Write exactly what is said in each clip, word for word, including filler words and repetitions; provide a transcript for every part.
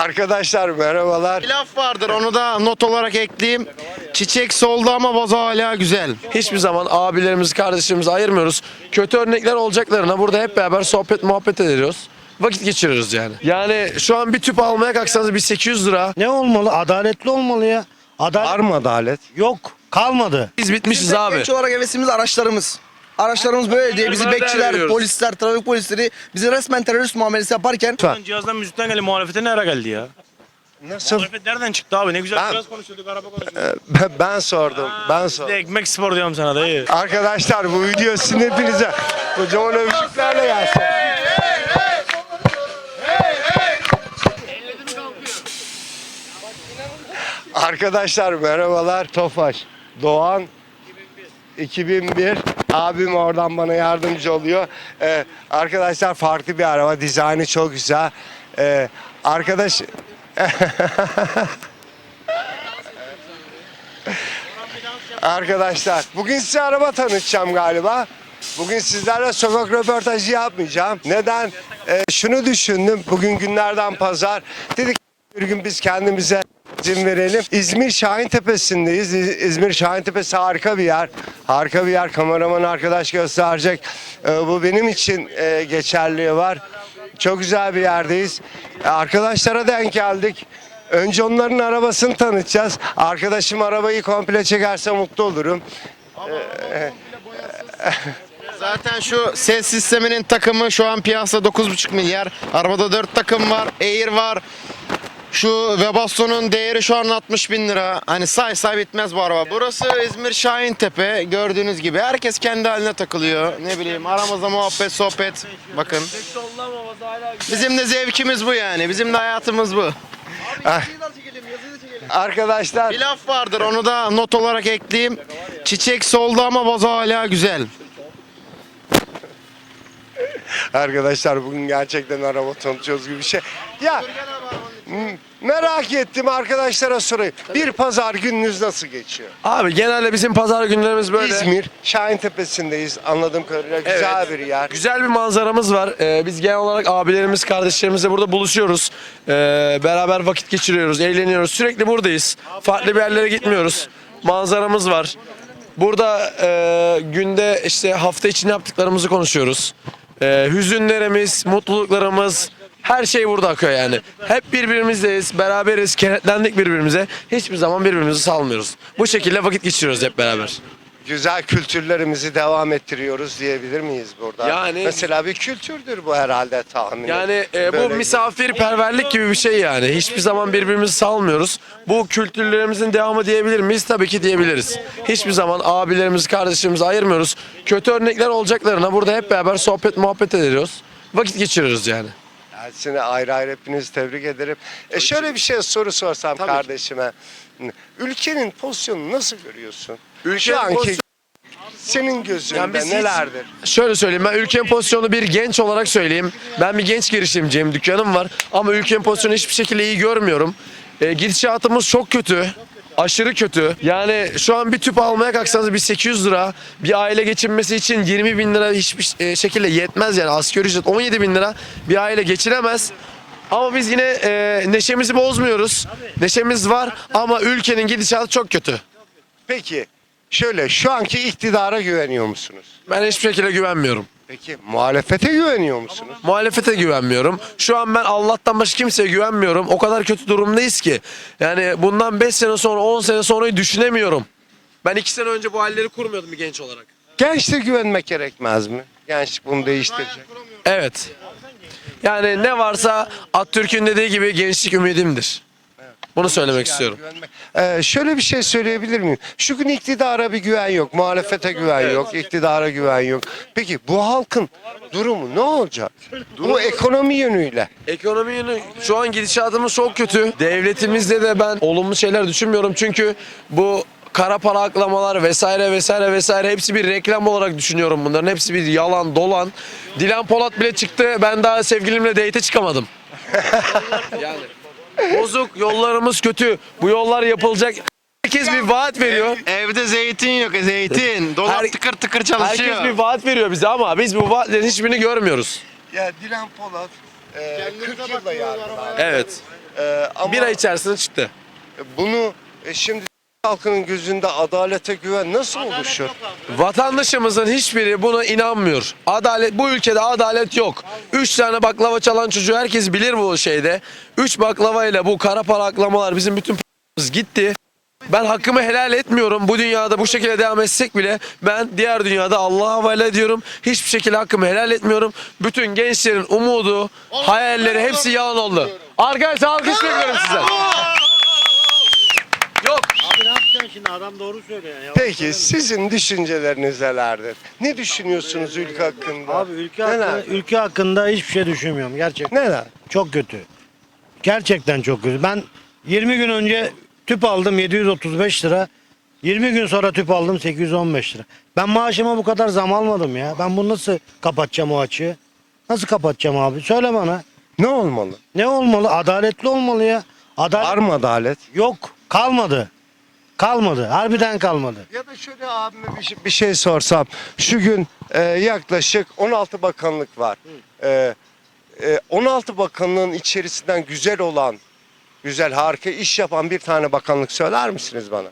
Arkadaşlar merhabalar. Bir laf vardır, onu da not olarak ekleyeyim. Çiçek soldu ama vazo hala güzel. Hiçbir zaman abilerimizi, kardeşlerimizi ayırmıyoruz. Kötü örnekler olacaklarına burada hep beraber sohbet muhabbet ediyoruz. Vakit geçiriyoruz yani. Yani şu an bir tüp almaya kalksanız bir sekiz yüz lira. Ne olmalı? Adaletli olmalı ya. Adalet Var mı adalet? yok. Kalmadı. Biz bitmişiz Bizim abi. genç olarak hevesimiz araçlarımız. Araçlarımız böyle diye bizi Bunlara değer bekçiler, veriyoruz. polisler, trafik polisleri bizi resmen terörist muamelesi yaparken Cihazdan müzikten geldi, muhalefete nereye geldi ya? Nasıl? Muhalefet nereden çıktı abi? Ne güzel Ben- cihaz konuşuyorduk, araba konuşuyorduk. Ben, ben sordum. Ben Bir de sordum. ekmek spor diyorum sana dayı. Arkadaşlar bu video sizin hepinize kocaman övüşüklerle gelsin. Arkadaşlar merhabalar. Tofaş, Doğan, iki bin bir. Abim oradan bana yardımcı oluyor. Ee, arkadaşlar farklı bir araba. Dizaynı çok güzel. Ee, arkadaş... Arkadaşlar bugün size araba tanıtacağım galiba. Bugün sizlerle sokak röportajı yapmayacağım. Neden? Ee, şunu düşündüm. Bugün günlerden pazar. Dedik bir gün biz kendimize izin verelim. İzmir Şahintepesi'ndeyiz. İz- İzmir Şahintepesi harika bir yer. Harika bir yer. Kameraman arkadaş gösterecek. Ee, bu benim için e, geçerliği var. Çok güzel bir yerdeyiz. Ee, arkadaşlara denk geldik. Önce onların arabasını tanıtacağız. Arkadaşım arabayı komple çekerse mutlu olurum. Zaten şu ses sisteminin takımı şu an piyasada dokuz buçuk milyar. Arabada dört takım var, Air var. Şu Webasto'nun değeri şu an altmış bin lira. Hani say say bitmez bu araba. Burası İzmir Şahintepe. Gördüğünüz gibi herkes kendi haline takılıyor. Ne bileyim aramızda muhabbet, sohbet. Bakın. Bizim de zevkimiz bu yani. Bizim de hayatımız bu. Arkadaşlar Bir laf vardır, onu da not olarak ekleyeyim. Çiçek soldu ama vazo hala güzel. Arkadaşlar bugün gerçekten araba tanıtıyoruz gibi bir şey. Ya m- merak ettim arkadaşlara sorayım. Bir pazar gününüz nasıl geçiyor? Abi genelde bizim pazar günlerimiz böyle. İzmir Şahintepesi'ndeyiz. Anladığım kadarıyla güzel bir yer. Güzel bir manzaramız var. Ee, biz genel olarak abilerimiz, kardeşlerimizle burada buluşuyoruz. Ee, beraber vakit geçiriyoruz, eğleniyoruz. Sürekli buradayız. Farklı bir yerlere gitmiyoruz. Manzaramız var. Burada e, günde işte hafta içinde yaptıklarımızı konuşuyoruz. Ee, hüzünlerimiz, mutluluklarımız, her şey burada akıyor yani. Hep birbirimizdeyiz, beraberiz, kenetlendik birbirimize. Hiçbir zaman birbirimizi salmıyoruz. Bu şekilde vakit geçiriyoruz hep beraber. Güzel kültürlerimizi devam ettiriyoruz diyebilir miyiz burada? Yani- Mesela bir kültürdür bu herhalde tahmin. Yani e, bu Böyle- misafirperverlik gibi bir şey yani. Hiçbir zaman birbirimizi salmıyoruz. Bu kültürlerimizin devamı diyebilir miyiz? Tabii ki diyebiliriz. Hiçbir zaman abilerimizi, kardeşlerimizi ayırmıyoruz. Kötü örnekler olacaklarına burada hep beraber sohbet muhabbet ediyoruz. Vakit geçiriyoruz yani. Seni ayrı ayrı hepinizi tebrik ederim. E şöyle bir şey soru sorsam Tabii. kardeşime. Ülkenin pozisyonunu nasıl görüyorsun? Ülkenin Şu anki pozisyon- senin gözünde Yani biz hiç- nelerdir? Şöyle söyleyeyim, ben ülkenin pozisyonu bir genç olarak söyleyeyim. Ben bir genç girişimciyim, dükkanım var. Ama ülkenin pozisyonu hiçbir şekilde iyi görmüyorum. E, gidişatımız çok kötü. Aşırı kötü. Yani şu an bir tüp almaya kalksanız bir sekiz yüz lira. Bir aile geçinmesi için yirmi bin lira hiçbir e, şekilde yetmez yani. Asgari ücret on yedi bin lira bir aile geçinemez. Ama biz yine e, neşemizi bozmuyoruz. Neşemiz var ama ülkenin gidişatı çok kötü. Peki şöyle şu anki iktidara güveniyor musunuz? Ben hiçbir şekilde güvenmiyorum. Peki muhalefete güveniyor musunuz? Muhalefete güvenmiyorum. Şu an ben Allah'tan başka kimseye güvenmiyorum. O kadar kötü durumdayız ki. Yani bundan beş sene sonra, on sene sonrayı düşünemiyorum. Ben iki sene önce bu halleri kurmuyordum bir genç olarak. Gençliğe güvenmek gerekmez mi? Gençlik bunu değiştirecek. Evet. Yani ne varsa Atatürk'ün dediği gibi gençlik ümidimdir. Bunu söylemek istiyorum. Ee, şöyle bir şey söyleyebilir miyim? Şu gün iktidara bir güven yok, muhalefete güven yok, iktidara güven yok. Peki bu halkın durumu ne olacak? Bu ekonomi yönüyle. Ekonomi yönü şu an gidişatımız çok kötü. Devletimizde de ben olumlu şeyler düşünmüyorum çünkü bu kara para aklamalar vesaire vesaire vesaire hepsi bir reklam olarak düşünüyorum bunların. Hepsi bir yalan, dolan. Dilan Polat bile çıktı. Ben daha sevgilimle date'e çıkamadım. Yani bozuk, yollarımız kötü. Bu yollar yapılacak. Herkes bir vaat veriyor. Evde zeytin yok, zeytin. Dolap Her- tıkır tıkır çalışıyor. Herkes bir vaat veriyor bize ama biz bu vaatlerin hiçbirini görmüyoruz. Ya Dilan Polat e, kırk yılda yargılandı. Evet. E, ama Bir ay içerisinde çıktı. bunu e, şimdi halkının gözünde adalete güven nasıl oluşur? Vatandaşımızın hiçbiri buna inanmıyor. Adalet, bu ülkede adalet yok. Üç tane baklava çalan çocuğu herkes bilir bu şeyde. Üç baklavayla bu kara para aklamalar bizim bütün p***miz gitti. Ben hakkımı helal etmiyorum. Bu dünyada bu şekilde devam etsek bile ben diğer dünyada Allah'a havale ediyorum. Hiçbir şekilde hakkımı helal etmiyorum. Bütün gençlerin umudu, hayalleri hepsi yalan oldu. Arkadaşlar alkış bekliyorum sizden. Yok. Abi ne yapacaksın şimdi? Adam doğru söylüyor. Ya. Peki sizin düşünceleriniz nelerdir? Ne düşünüyorsunuz ülke hakkında? Abi ülke Neler? hakkında, ülke hakkında hiçbir şey düşünmüyorum gerçekten. Neler? Çok kötü. Gerçekten çok kötü. Ben yirmi gün önce tüp aldım yedi yüz otuz beş lira. yirmi gün sonra tüp aldım sekiz yüz on beş lira. Ben maaşıma bu kadar zam almadım ya. Ben bunu nasıl kapatacağım o açığı? Nasıl kapatacağım abi? Söyle bana. Ne olmalı? Ne olmalı? Adaletli olmalı ya. Adalet Var mı adalet? yok. Kalmadı. Kalmadı. Harbiden kalmadı. Ya da şöyle abime bir şey, bir şey sorsam. Şu gün e, yaklaşık on altı bakanlık var. E, e, on altı bakanlığın içerisinden güzel olan, güzel harika iş yapan bir tane bakanlık söyler misiniz bana?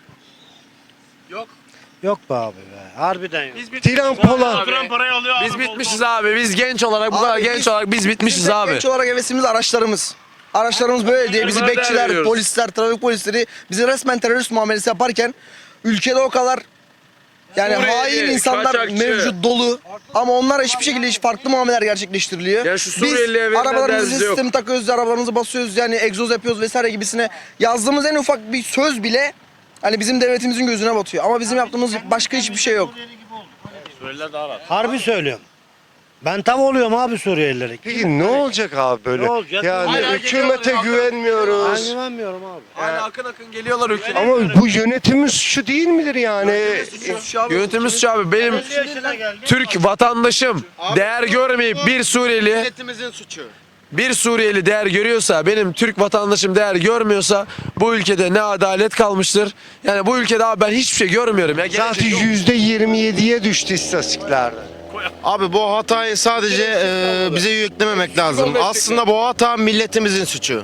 Yok be abi be. Harbiden yok. Tiran Polat. Duran parayı alıyor. Biz bitmişiz abi. Biz genç olarak bu Abi kadar biz- genç olarak biz bitmişiz Bizim abi. genç olarak hevesimiz araçlarımız. Araçlarımız böyle diye bizi Bunlara değer bekçiler, veriyoruz. polisler, trafik polisleri bizi resmen terörist muamelesi yaparken ülkede o kadar yani Suriyeli, hain insanlar kaçakçı. mevcut dolu ama onlar hiçbir şekilde hiç farklı muameleler gerçekleştiriliyor. Ya şu Suriyeli'ye Biz verilen arabalarımızı dersi yok. sistemi takıyoruz, arabalarımızı basıyoruz yani egzoz yapıyoruz vesaire gibisine yazdığımız en ufak bir söz bile hani bizim devletimizin gözüne batıyor ama bizim yaptığımız başka hiçbir şey yok. Suriyeliler daha rahat. Harbi söylüyorum. Ben tav oluyorum abi Suriyelilere. Peki ne olacak abi böyle? Ne olacak? Yani Hala hükümete geliyorlar, Ben güvenmiyoruz. güvenmiyorum abi. Hala akın akın geliyorlar ülkeye. Ama bu yönetimin suçu değil midir yani? Yönetimimiz şu abi benim Türk vatandaşım değer görmeyip bir Suriyeli Milletimizin suçu. bir Suriyeli değer görüyorsa benim Türk vatandaşım değer görmüyorsa bu ülkede ne adalet kalmıştır. Yani bu ülkede abi ben hiçbir şey görmüyorum ya. Zaten Gelecek yok. yüzde yirmi yediye düştü istatistiklerde. Abi bu hatayı sadece e, bize yüklememek lazım. Aslında bu hata milletimizin suçu.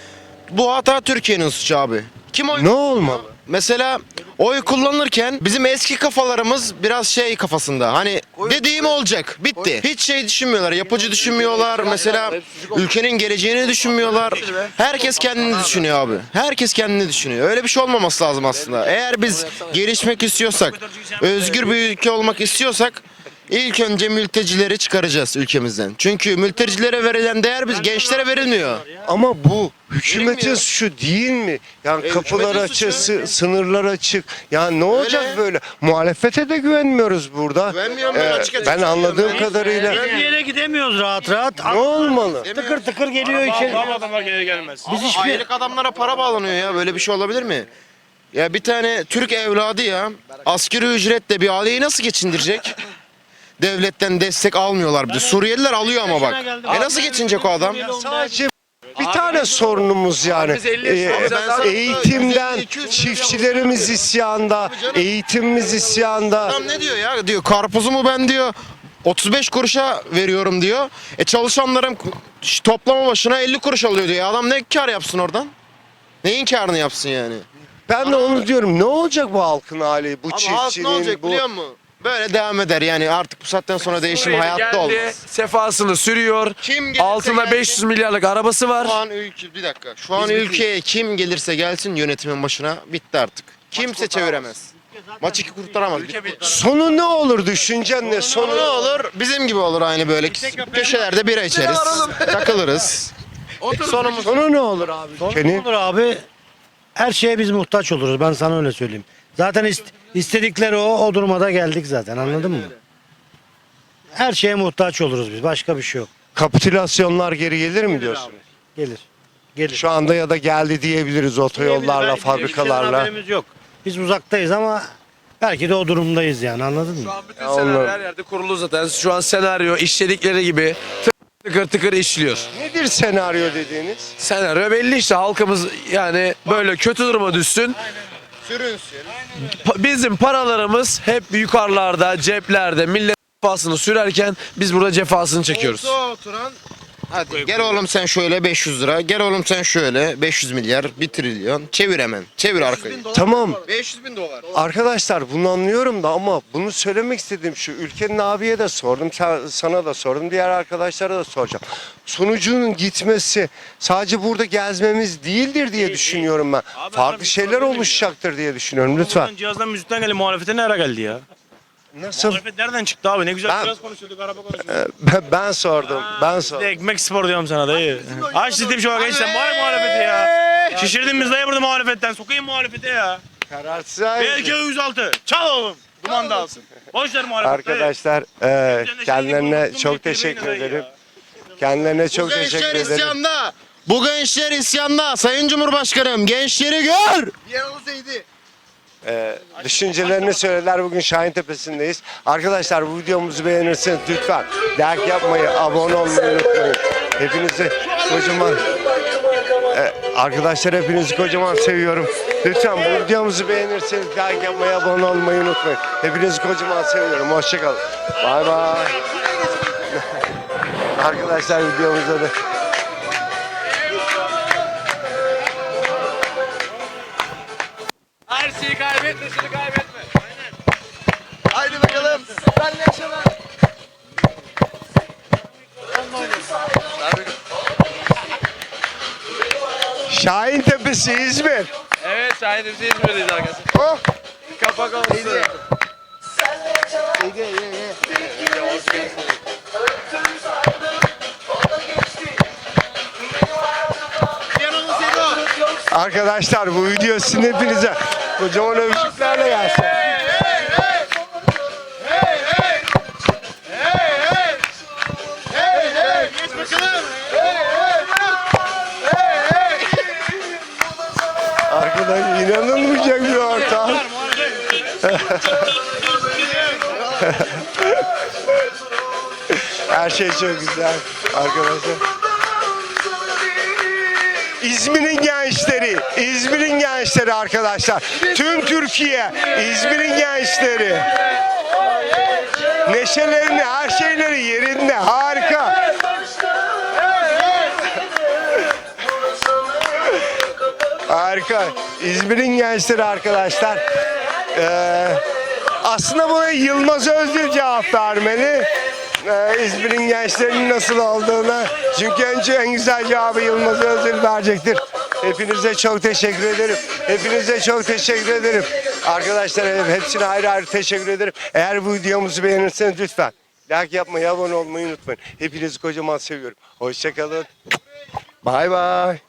Bu hata Türkiye'nin suçu abi. Kim oy? Ne olmalı? Mesela oy kullanırken bizim eski kafalarımız biraz şey kafasında. Hani dediğim olacak. Bitti. Hiç şey düşünmüyorlar. Yapıcı düşünmüyorlar. Mesela ülkenin geleceğini düşünmüyorlar. Herkes kendini düşünüyor abi. Herkes kendini düşünüyor. Öyle bir şey olmaması lazım aslında. Eğer biz gelişmek istiyorsak, özgür bir ülke olmak istiyorsak İlk önce mültecileri çıkaracağız ülkemizden. Çünkü mültecilere verilen değer biz gençlere verilmiyor. Ama bu hükümetin Verilmiyor. suçu değil mi? Yani E, kapılar hükümetin açık, suçu. sı- sınırlar açık. Yani ne olacak Öyle. böyle? Muhalefete de güvenmiyoruz burada. Güvenmiyorum ben, Ee, açık açık ben anladığım söylüyorum. kadarıyla Bir yere gidemiyoruz rahat rahat. ne olmalı? Tıkır tıkır geliyor içeri. Tamam adamlar geri gelmez. Biz hiçbir... Aylık adamlara para bağlanıyor ya. Böyle bir şey olabilir mi? Ya bir tane Türk evladı ya asgari ücretle bir aileyi nasıl geçindirecek? Devletten destek almıyorlar bir de. Suriyeliler alıyor ama bak. E nasıl geçinecek o adam? Sadece bir tane sorunumuz yani. biz elli Ee, yaşındayız. ben sana- eğitimden çiftçilerimiz isyanda, eğitimimiz isyanda. Adam ne diyor ya? Diyor karpuzumu ben diyor otuz beş kuruşa veriyorum diyor. E çalışanlarım k- toplama başına elli kuruş alıyor diyor. Adam ne kar yapsın oradan? Neyin karını yapsın yani? Ben de onu diyorum. Ne olacak bu halkın hali? Bu Abi halk çiftçinin, ne olacak bu... biliyor musun? Böyle devam eder yani artık bu saatten sonra değişim Suriyeli hayatta geldi, olmaz. sefasını sürüyor. Kim gelirse Altında gelsin. beş yüz milyarlık arabası Şu var. an ülke bir dakika. Şu an ülkeye kim gelirse gelsin yönetimin başına bitti artık. Kimse çeviremez. Maçı ki kurtaramaz. Bitti. Sonu ne olur? Düşüncen ne? Sonu Sonu ne olur? Bizim gibi olur aynı böyle. Köşelerde bira içeriz. Takılırız. Sonumuz Sonu ne olur abi? Ne Ülkenin? olur abi? Her şeye biz muhtaç oluruz. Ben sana öyle söyleyeyim. Zaten ist- istedikleri o. O durumda geldik zaten. Anladın mı? Her şeye muhtaç oluruz biz. Başka bir şey yok. Kapitülasyonlar geri gelir mi diyorsun? Gelir. Gelir. Şu anda ya da geldi diyebiliriz otoyollarla, fabrikalarla. Haberimiz yok. Biz uzaktayız ama belki de o durumdayız yani. Anladın mı? Şu an bütün Ya senaryo onlar- her yerde kurulu zaten. Şu an senaryo işledikleri gibi tıkır tıkır işliyor. Nedir senaryo dediğiniz? Senaryo belli işte halkımız yani böyle kötü duruma düşsün. sürünsün. Pa- Bizim paralarımız hep yukarılarda, ceplerde, millet cefasını sürerken biz burada cefasını çekiyoruz. Koltuğa oturan Hadi gel oğlum sen şöyle beş yüz lira. Gel oğlum sen şöyle beş yüz milyar, bir trilyon. Çevir hemen. Çevir arkayı. Tamam. beş yüz bin dolar. Arkadaşlar bunu anlıyorum da ama bunu söylemek istediğim şu. Ülkenin abiye de sordum, sen- sana da sordum, diğer arkadaşlara da soracağım. Sonucunun gitmesi sadece burada gezmemiz değildir diye düşünüyorum ben. Abi Farklı ben şeyler bir sorabilir miyim oluşacaktır diye düşünüyorum lütfen. Buradan cihazdan müzikten geldi muhalefete ne ara geldi ya? Nasıl? Muhalefet nereden çıktı abi? Ne güzel Ben- biraz konuşuyorduk, araba konuşuyorduk. Ben, ben sordum, ben Bir de sordum. ekmek spor diyorum sana dayı. Aç dedim şu an gençler bari muhalefeti ya. Şişirdin biz dayı burada muhalefetten. Sokayım muhalefete ya. Kararsız B K ayrıca. yüz altı. Çal oğlum. Duman dağılsın. Boş ver muhalefet dayı. Arkadaşlar e, kendilerine çok teşekkür ederim. Kendilerine çok Bu gençler teşekkür ederim. isyanda. Bu gençler isyanda. Sayın Cumhurbaşkanım gençleri gör. Ee, düşüncelerini söylediler. Bugün Şahin Tepesi'ndeyiz. Arkadaşlar bu videomuzu beğenirseniz lütfen like yapmayı, abone olmayı unutmayın. Hepinizi kocaman Ee, arkadaşlar hepinizi kocaman seviyorum. Lütfen bu videomuzu beğenirseniz like yapmayı, abone olmayı unutmayın. Hepinizi kocaman seviyorum. Hoşçakalın. Bay bay. Arkadaşlar videomuzda da Her şeyi kaybetme, şunu kaybetme. Haydi bakalım. Benle yaşama. Şahin Tepesi İzmir. Evet şahidimiz İzmir'deyiz arkadaşlar. Oh. Kapak olsun. Arkadaşlar bu video sizin hepinize kocaman övgülerle gelsin. Arkadaş inanılmayacak bir ortam. Her şey çok güzel arkadaşlar. İzmir'in gençleri, İzmir'in gençleri arkadaşlar. Tüm Türkiye, İzmir'in gençleri. Neşelerini, her şeyleri yerinde, harika. Harika. İzmir'in gençleri arkadaşlar. Ee, aslında buna Yılmaz Özdil cevap vermeli. Ee, İzmir'in gençlerinin nasıl olduğunu. Çünkü önce en güzel cevabı Yılmaz Özdil verecektir. Hepinize çok teşekkür ederim. Hepinize çok teşekkür ederim. Arkadaşlar hepsine ayrı ayrı teşekkür ederim. Eğer bu videomuzu beğenirseniz lütfen like yapmayı, abone olmayı unutmayın. Hepinizi kocaman seviyorum. Hoşçakalın. Bay bay.